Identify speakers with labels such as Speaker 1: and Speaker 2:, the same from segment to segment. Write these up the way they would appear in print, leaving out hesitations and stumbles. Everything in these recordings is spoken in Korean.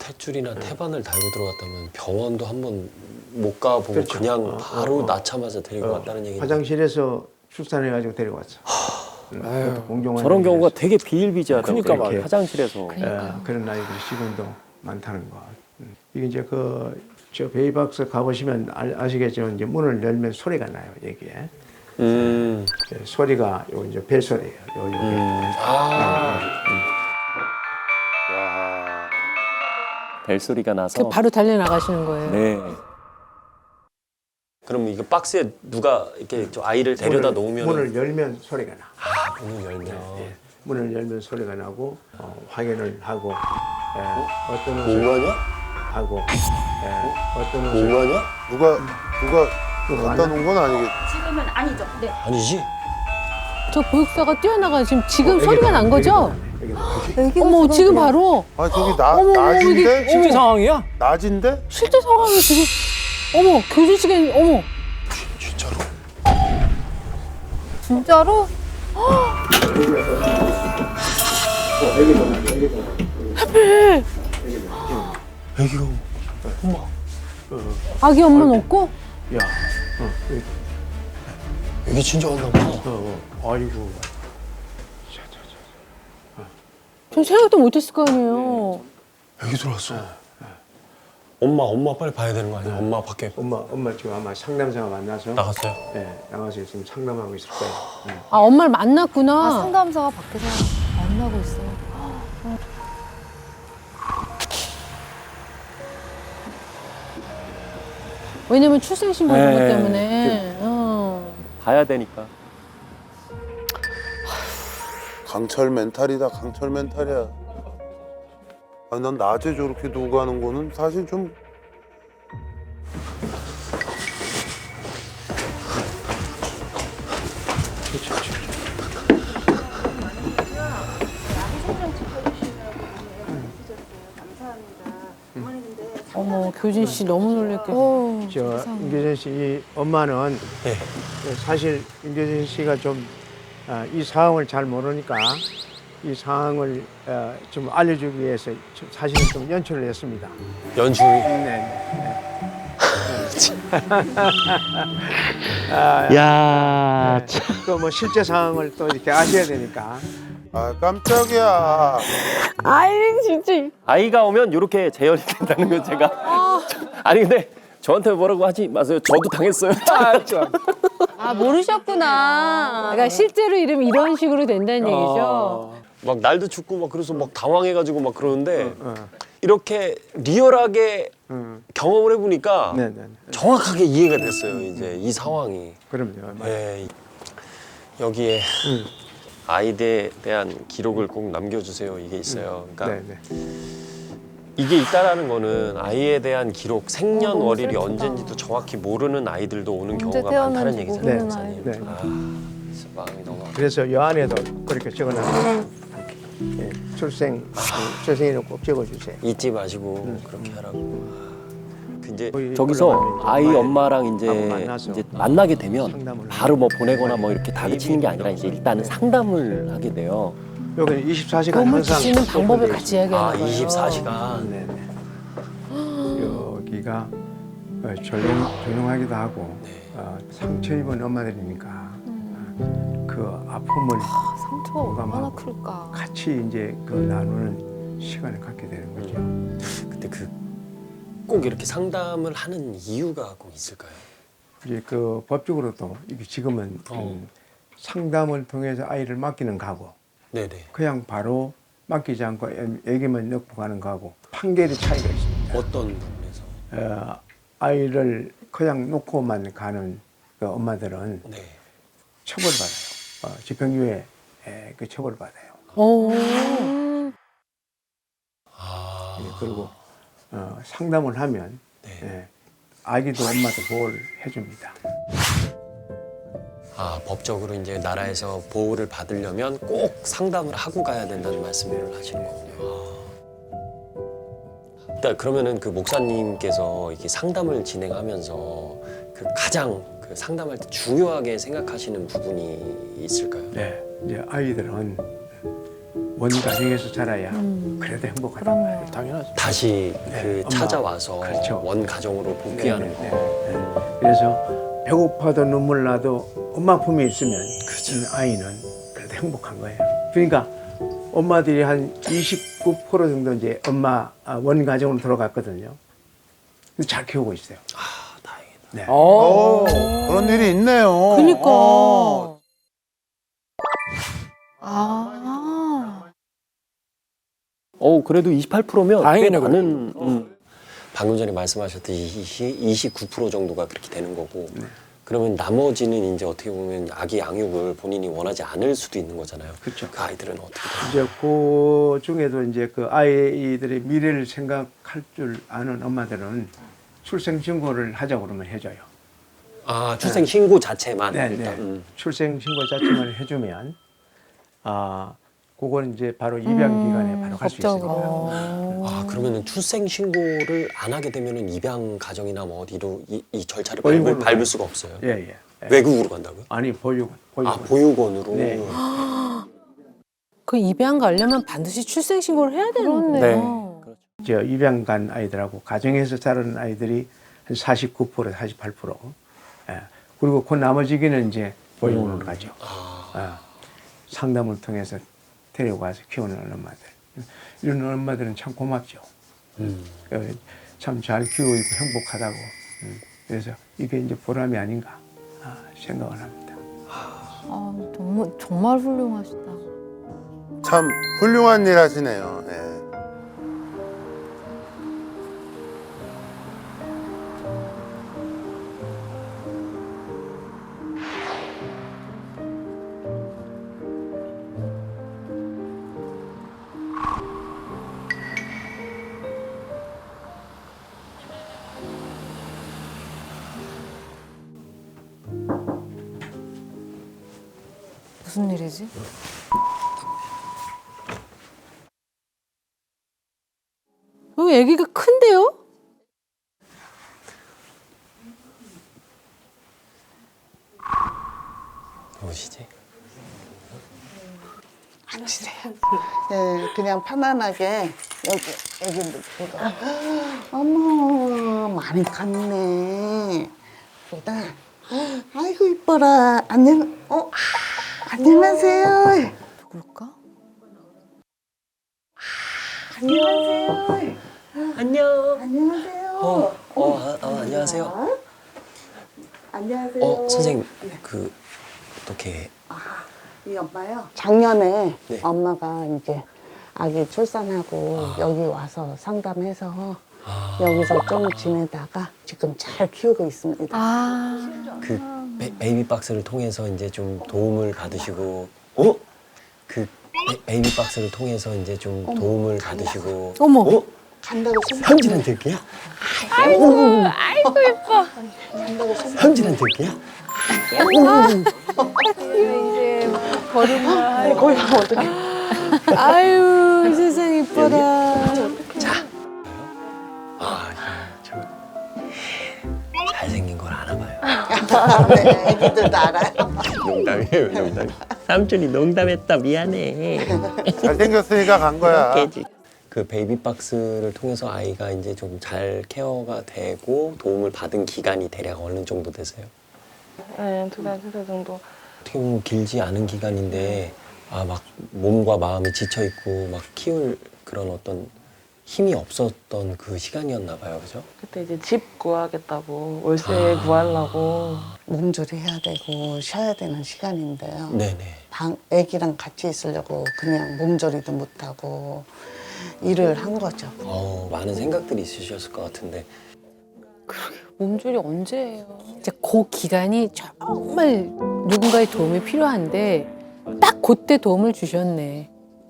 Speaker 1: 탯줄이나 태반을 달고 들어갔다면 병원도 한번 못 가보고
Speaker 2: 그렇죠.
Speaker 1: 그냥 바로 낳자마자 데리고 갔다는 얘기는
Speaker 2: 화장실에서 출산해가지고 데려왔어. 공정한
Speaker 3: 저런 경우가
Speaker 2: 의미에서.
Speaker 3: 되게 비일비재하다.
Speaker 2: 그러니까
Speaker 3: 이렇게
Speaker 2: 말이야.
Speaker 3: 화장실에서.
Speaker 2: 그런 아이들이 지금도 많다는 거. 이게 이제 저 베이박스 가보시면 아시겠지만 이제 문을 열면 소리가 나요 여기에. 소리가 요 이제 벨소리예요.
Speaker 3: 벨소리가 나서.
Speaker 4: 바로 달려 나가시는 거예요.
Speaker 3: 네.
Speaker 1: 그럼 이거 박스에 누가 이렇게 저 아이를 데려다 놓으면
Speaker 2: 문을 열면 소리가 나.
Speaker 1: 문을 열면
Speaker 2: 문을 열면 소리가 나고 확인을 하고 어떤 옷을
Speaker 1: 뭐하냐?
Speaker 2: 하고 어떤 옷을
Speaker 1: 뭐하냐?
Speaker 5: 누가 갖다 놓은 건 아니겠지.
Speaker 6: 지금은 아니죠. 네.
Speaker 1: 아니지?
Speaker 4: 저 보육사가 뛰어나가 지금 소리가 난 거죠?
Speaker 2: 여기도
Speaker 4: 어머 지금 바로
Speaker 5: 아 저기
Speaker 4: 어머,
Speaker 5: 낮인데?
Speaker 3: 실제 상황이야?
Speaker 5: 낮인데?
Speaker 4: 실제 상황이 지금 어머 교진 씨가 어머
Speaker 1: 진짜로?
Speaker 4: 진짜로?
Speaker 1: 애기가
Speaker 4: 아기 엄마는 없고?
Speaker 2: 야,
Speaker 1: 애기 진짜 왔나 봐.
Speaker 2: 아이고.
Speaker 4: 전 생각도 못했을 거 아니에요.
Speaker 1: 애기 들어왔어. 엄마 빨리 봐야 되는 거 아니야? 엄마 밖에
Speaker 2: 엄마 지금 아마 상담사가 만나서
Speaker 1: 나갔어요?
Speaker 2: 나가서 지금 상담하고 있을 거예요.
Speaker 4: 아 엄마를 만났구나.
Speaker 7: 상담사가 밖에서 만나고 있어요.
Speaker 4: 왜냐면 출생신고 이런 것
Speaker 3: 네.
Speaker 4: 때문에.
Speaker 3: 봐야 되니까.
Speaker 5: 강철 멘탈이다. 강철 멘탈이야. 아, 난 낮에 저렇게 누고 가는 거는 사실 좀
Speaker 4: 어머 교진 씨 너무 놀랬겠어.
Speaker 2: 저 임교진 씨 엄마는 사실 임교진 씨가 좀 이 상황을 잘 모르니까 이 상황을 좀 알려주기 위해서 사실은 좀 연출을 했습니다.
Speaker 1: 연출이?
Speaker 3: 야,
Speaker 2: 또 뭐 실제 상황을 또 이렇게 아셔야 되니까.
Speaker 5: 아 깜짝이야.
Speaker 4: 아이 진짜.
Speaker 3: 아이가 오면 이렇게 재현이 된다는 건 제가. 아니 근데 저한테 뭐라고 하지 마세요. 저도 당했어요.
Speaker 4: 아 모르셨구나. 그러니까 실제로 이러면 이런 식으로 된다는 얘기죠.
Speaker 1: 막 날도 춥고 막 그래서 막 당황해가지고 막 그러는데 이렇게 리얼하게 경험을 해보니까 정확하게 이해가 됐어요. 이제 이 상황이.
Speaker 2: 그럼요.
Speaker 1: 네. 여기에 아이에 대한 기록을 꼭 남겨주세요. 이게 있어요. 그러니까 이게 있다라는 거는 아이에 대한 기록, 생년월일이 언젠지도 정확히 모르는 아이들도 오는 경우가 많다는 얘기잖아요. 목사님. 진짜 마음이 너무 아프다.
Speaker 2: 그래서 여 안에도 그렇게 적어놨어요. 출생일을 꼭 적어주세요.
Speaker 1: 잊지 마시고 그렇게 하라고. 이제
Speaker 3: 저기서 아이 엄마랑
Speaker 2: 만나서
Speaker 3: 이제 만나게 되면
Speaker 2: 상담을
Speaker 3: 바로 뭐 보내거나 뭐 이렇게 다그치는 게 아니라 이제 일단은 상담을 하게 돼요.
Speaker 2: 여기는 24시간
Speaker 4: 도움을
Speaker 2: 항상
Speaker 4: 줄 수 있는 방법을
Speaker 2: 오픈돼
Speaker 4: 같이 이야기하는 거예요.
Speaker 1: 24시간.
Speaker 2: 여기가 조용하기도 하고 상처 입은 엄마들이니까 그 아픔을
Speaker 7: 상처가 얼마나
Speaker 2: 공감하고
Speaker 7: 클까.
Speaker 2: 같이 이제 그 나누는 시간을 갖게 되는 거죠.
Speaker 1: 근데 꼭 이렇게 상담을 하는 이유가 꼭 있을까요?
Speaker 2: 이제 그 법적으로도 이게 지금은 상담을 통해서 아이를 맡기는 거하고
Speaker 1: 네네.
Speaker 2: 그냥 바로 맡기지 않고 애기만 넣고 가는 거하고 판결의 차이가 있습니다.
Speaker 1: 어떤 부분에서?
Speaker 2: 아이를 그냥 놓고만 가는 그 엄마들은
Speaker 1: 네.
Speaker 2: 처벌받아요. 집행유예 그 처벌받아요.
Speaker 4: 오.
Speaker 2: 그리고 상담을 하면 아기도 엄마도 보호를 해줍니다.
Speaker 1: 법적으로 이제 나라에서 보호를 받으려면 꼭 상담을 하고 가야 된다는 말씀을 하시는 거군요. 일단 그러면은 그 목사님께서 이렇게 상담을 진행하면서 그 가장 그 상담할 때 중요하게 생각하시는 부분이 있을까요?
Speaker 2: 네, 이제 아이들은 원 가정에서 자라야 그래도 행복하다.
Speaker 7: 그럼요.
Speaker 2: 당연하죠.
Speaker 1: 다시
Speaker 2: 네,
Speaker 1: 그
Speaker 2: 엄마.
Speaker 1: 찾아와서
Speaker 2: 그렇죠.
Speaker 1: 원 가정으로 복귀하는
Speaker 2: 네, 네,
Speaker 1: 거.
Speaker 2: 네, 네. 그래서 배고파도 눈물 나도 엄마 품에 있으면 아이는 그래도 행복한 거예요. 그러니까 엄마들이 한 29% 정도 이제 엄마 원 가정으로 돌아갔거든요. 근데 잘 키우고 있어요.
Speaker 1: 아, 다행이다.
Speaker 2: 네.
Speaker 5: 오, 그런 일이 있네요.
Speaker 4: 그니까.
Speaker 7: 아.
Speaker 3: 그래도 28%면
Speaker 6: 다행이네,
Speaker 3: 꽤 많은.
Speaker 1: 방금 전에 말씀하셨듯이 29% 정도가 그렇게 되는 거고
Speaker 2: 네.
Speaker 1: 그러면 나머지는 이제 어떻게 보면 아기 양육을 본인이 원하지 않을 수도 있는 거잖아요.
Speaker 2: 그렇죠.
Speaker 1: 그 아이들은 어떻게 돼요?
Speaker 2: 이제 그 중에도 이제 그 아이들의 미래를 생각할 줄 아는 엄마들은 출생 신고를 하자고 그러면 해줘요.
Speaker 1: 아, 출생 신고 자체만
Speaker 2: 네,
Speaker 1: 일단.
Speaker 2: 네. 출생 신고 자체만 해주면 그건 이제 바로 입양 기간에 바로 갈 수 있어요.
Speaker 7: 법적으로.
Speaker 1: 아, 그러면은 출생 신고를 안 하게 되면은 입양 가정이나 뭐 어디로 이 절차를
Speaker 2: 보육원으로
Speaker 1: 밟을 수가 없어요.
Speaker 2: 예, 예. 예.
Speaker 1: 외국으로 간다고요?
Speaker 2: 아니 보육원.
Speaker 1: 아, 보육원으로.
Speaker 2: 네.
Speaker 4: 그 입양 가려면 반드시 출생 신고를 해야 되는 거예요.
Speaker 7: 그렇네요.
Speaker 2: 저 입양 간 아이들하고 가정에서 자라는 아이들이 한 49%, 48%. 예. 그리고 그 나머지기는 이제 보육원으로 가죠. 상담을 통해서 데려가서 키우는 엄마들. 이런 엄마들은 참 고맙죠. 참 잘 키우고 있고 행복하다고. 그래서 이게 이제 보람이 아닌가 생각을 합니다.
Speaker 7: 너무 정말 훌륭하시다.
Speaker 5: 참 훌륭한 일 하시네요. 예.
Speaker 7: 무슨 일이지?
Speaker 4: 여기 아기가 큰데요?
Speaker 1: 무엇이지?
Speaker 8: 네, 그냥 편안하게 여기 놓고. 어머, 많이 컸네. 보다. 아이고 이뻐라. 안녕하세요.
Speaker 7: 누굴까?
Speaker 8: 안녕하세요.
Speaker 1: 안녕.
Speaker 8: 안녕하세요.
Speaker 1: 안녕하세요.
Speaker 8: 안녕하세요.
Speaker 1: 선생님, 그 어떻게
Speaker 8: 이 엄마요? 작년에
Speaker 1: 네.
Speaker 8: 엄마가 이제 아기 출산하고 여기 와서 상담해서 여기서 좀 지내다가 지금 잘 키우고 있습니다.
Speaker 1: 그 베이비 박스를 통해서 이제 좀 도움을 받으시고 그 베이비 박스를 통해서 이제 좀 도움을 받으시고
Speaker 4: 어머.
Speaker 8: 간다고 생각.
Speaker 1: 현진한테 할게요?
Speaker 4: 아이고 예뻐.
Speaker 1: 현진한테 할게요?
Speaker 4: 이제 걸음마.
Speaker 8: 거기 가면 어떡해.
Speaker 4: 아유 세상 이뻐라.
Speaker 1: 저 잘생긴 걸 아나 봐요.
Speaker 8: 네, 애기들도 알아요.
Speaker 1: 농담이에요, 농담. 삼촌이 농담했다. 미안해.
Speaker 5: 잘생겼으니까 간 거야.
Speaker 1: 그 베이비 박스를 통해서 아이가 이제 좀 잘 케어가 되고 도움을 받은 기간이 대략 어느 정도 되세요?
Speaker 9: 네, 2달, 3달 정도.
Speaker 1: 어떻게 보면 길지 않은 기간인데 막 몸과 마음이 지쳐 있고 막 키울 그런 어떤 힘이 없었던 그 시간이었나 봐요, 그죠?
Speaker 9: 그때 이제 집 구하겠다고 월세 구하려고.
Speaker 8: 몸조리 해야 되고 쉬어야 되는 시간인데요.
Speaker 1: 네네.
Speaker 8: 애기랑 같이 있으려고 그냥 몸조리도 못하고 일을 한 거죠.
Speaker 1: 많은 생각들이 있으셨을 것 같은데
Speaker 7: 몸조리 언제예요?
Speaker 4: 이제 그 기간이 정말 누군가의 도움이 필요한데 딱 그때 도움을 주셨네.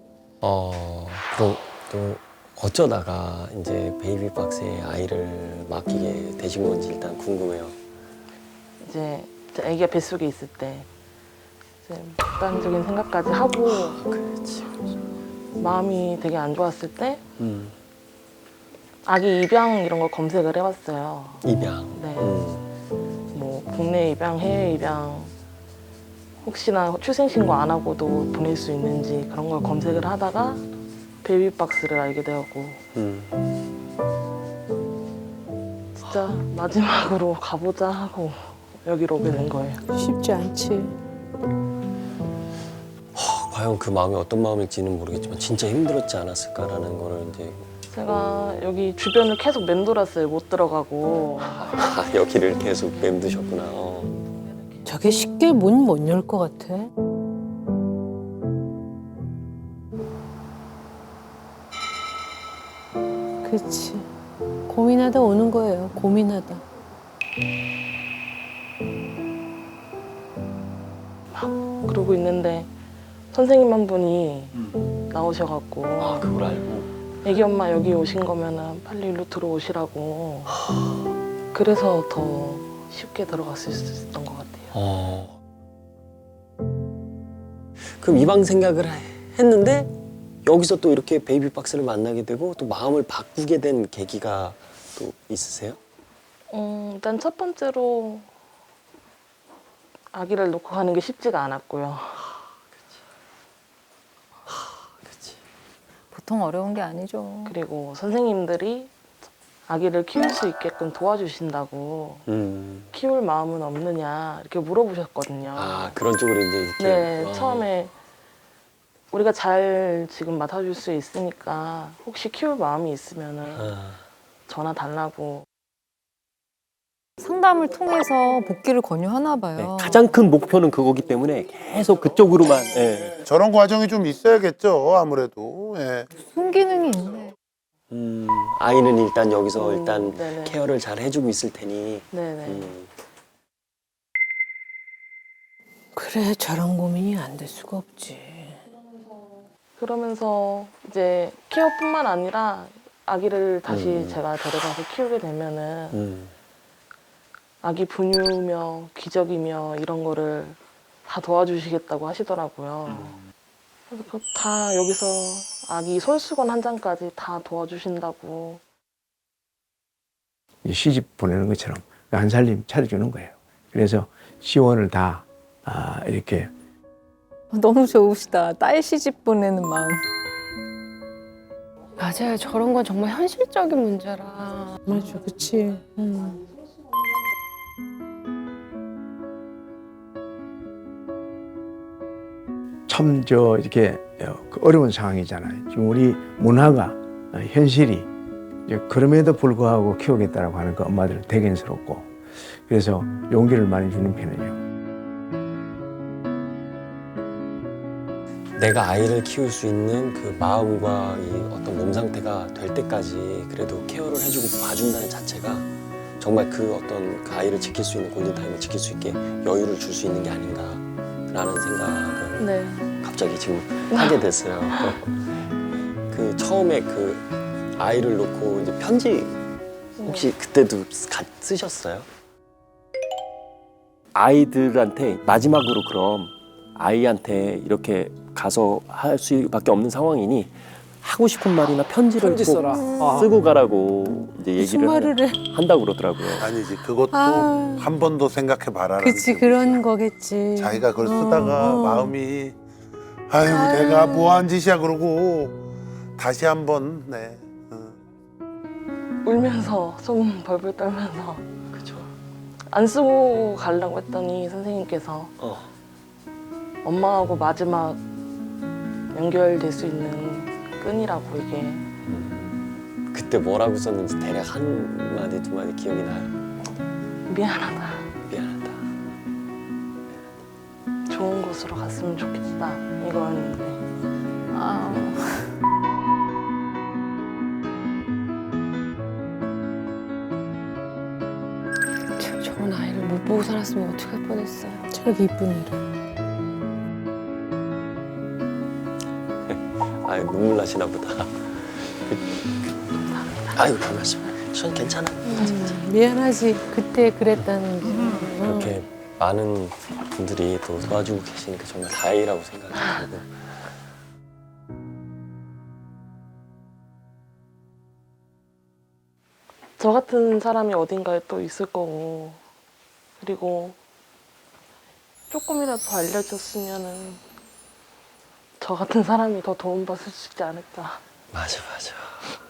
Speaker 1: 그럼 또 어쩌다가 이제 베이비 박스에 아이를 맡기게 되신 건지 일단 궁금해요.
Speaker 9: 이제 아기가 뱃속에 있을 때 이제 극단적인 생각까지 하고
Speaker 1: 그렇지.
Speaker 9: 마음이 되게 안 좋았을 때 아기 입양 이런 걸 검색을 해봤어요.
Speaker 1: 입양.
Speaker 9: 네. 뭐 국내 입양, 해외 입양 혹시나 출생신고 안 하고도 보낼 수 있는지 그런 걸 검색을 하다가 베이비박스를 알게 되었고 진짜 마지막으로 가보자 하고 여기로 오게 된 거예요.
Speaker 4: 쉽지 않지.
Speaker 1: 과연 그 마음이 어떤 마음일지는 모르겠지만 진짜 힘들었지 않았을까라는 거를 이제
Speaker 9: 제가 여기 주변을 계속 맴돌았어요. 못 들어가고.
Speaker 1: 여기를 계속 맴드셨구나.
Speaker 4: 저게 쉽게 문 못 열 것 같아. 그렇지. 고민하다 오는 거예요. 고민하다.
Speaker 9: 그러고 있는데 선생님 한 분이 나오셔갖고
Speaker 1: 그걸 알고.
Speaker 9: 애기 엄마 여기 오신 거면은 빨리 일로 들어오시라고. 그래서 더 쉽게 들어갔을 수 있었던 것 같아요.
Speaker 1: 그럼 이방 생각을 했는데 여기서 또 이렇게 베이비 박스를 만나게 되고 또 마음을 바꾸게 된 계기가 또 있으세요?
Speaker 9: 일단 첫 번째로 아기를 놓고 가는 게 쉽지가 않았고요.
Speaker 7: 보통 어려운 게 아니죠.
Speaker 9: 그리고 선생님들이 아기를 키울 수 있게끔 도와주신다고 키울 마음은 없느냐 이렇게 물어보셨거든요.
Speaker 1: 그런 쪽으로 이제 이렇게.
Speaker 9: 네, 처음에 우리가 잘 지금 맡아줄 수 있으니까 혹시 키울 마음이 있으면은 전화 달라고.
Speaker 7: 상담을 통해서 복귀를 권유하나 봐요.
Speaker 3: 네, 가장 큰 목표는 그거기 때문에 계속 그쪽으로만. 예.
Speaker 5: 저런 과정이 좀 있어야겠죠. 아무래도. 예.
Speaker 7: 순기능이 있네.
Speaker 1: 아이는 일단 여기서 일단
Speaker 9: 네네.
Speaker 1: 케어를 잘 해주고 있을 테니.
Speaker 9: 네네.
Speaker 4: 그래, 저런 고민이 안 될 수가 없지.
Speaker 9: 그러면서 이제 케어뿐만 아니라 아기를 다시 제가 데려가서 키우게 되면은 아기 분유며 기저귀며 이런 거를 다 도와주시겠다고 하시더라고요. 그래서 그거 다 여기서 아기 솔수건 한 장까지 다 도와주신다고.
Speaker 2: 시집 보내는 것처럼 한 살림 차려주는 거예요. 그래서 지원을 다 이렇게
Speaker 7: 너무 좋으시다. 딸 시집 보내는 마음.
Speaker 6: 맞아요. 저런 건 정말 현실적인 문제라.
Speaker 4: 맞아, 그치.
Speaker 2: 참 이렇게 어려운 상황이잖아요. 지금 우리 문화가 현실이 이제 그럼에도 불구하고 키우겠다라고 하는 그 엄마들 대견스럽고 그래서 용기를 많이 주는 편이에요.
Speaker 1: 내가 아이를 키울 수 있는 그 마음과 이 어떤 몸 상태가 될 때까지 그래도 케어를 해주고 봐준다는 자체가 정말 그 어떤 그 아이를 지킬 수 있는 골든타임을 지킬 수 있게 여유를 줄 수 있는 게 아닌가라는 생각을
Speaker 9: 네.
Speaker 1: 갑자기 지금 하게 됐어요. 그 처음에 그 아이를 놓고 이제 편지 혹시 그때도 쓰셨어요?
Speaker 3: 아이들한테 마지막으로 그럼 아이한테 이렇게 가서 할 수밖에 없는 상황이니 하고 싶은 말이나 편지를
Speaker 2: 편지
Speaker 3: 꼭
Speaker 2: 써라.
Speaker 3: 쓰고 가라고 이제
Speaker 4: 무슨
Speaker 3: 얘기를
Speaker 4: 말을 해.
Speaker 3: 한다고 그러더라고요.
Speaker 5: 아니지. 그것도
Speaker 4: 아.
Speaker 5: 한 번 더 생각해 봐라.
Speaker 4: 그치, 그런 거겠지.
Speaker 5: 자기가 그걸 쓰다가 마음이 아유 내가 뭐한 짓이야 그러고 다시 한번 네.
Speaker 9: 울면서 손 벌벌 떨면서 안 쓰고 가려고 했더니 선생님께서 엄마하고 마지막 연결될 수 있는 끈이라고 이게.
Speaker 1: 그때 뭐라고 썼는지 대략 한 마디 두 마디 기억이 나요?
Speaker 9: 미안하다.
Speaker 1: 미안하다.
Speaker 9: 좋은 곳으로 갔으면 좋겠다. 이거였는데.
Speaker 6: 저런 아이를 못 보고 살았으면 어떡할 뻔했어요.
Speaker 4: 저렇게 이쁜 애를.
Speaker 1: 아유 눈물 나시나 보다. 아유 별 말씀. 전 괜찮아.
Speaker 4: 미안하지. 그때 그랬다는 게.
Speaker 1: 이렇게 많은 분들이 또 도와주고 계시니까 정말 다행이라고 생각이 들고.
Speaker 9: 저 같은 사람이 어딘가에 또 있을 거고, 그리고 조금이라도 더 알려줬으면은 저 같은 사람이 더 도움받을 수 있지 않을까.
Speaker 1: 맞아.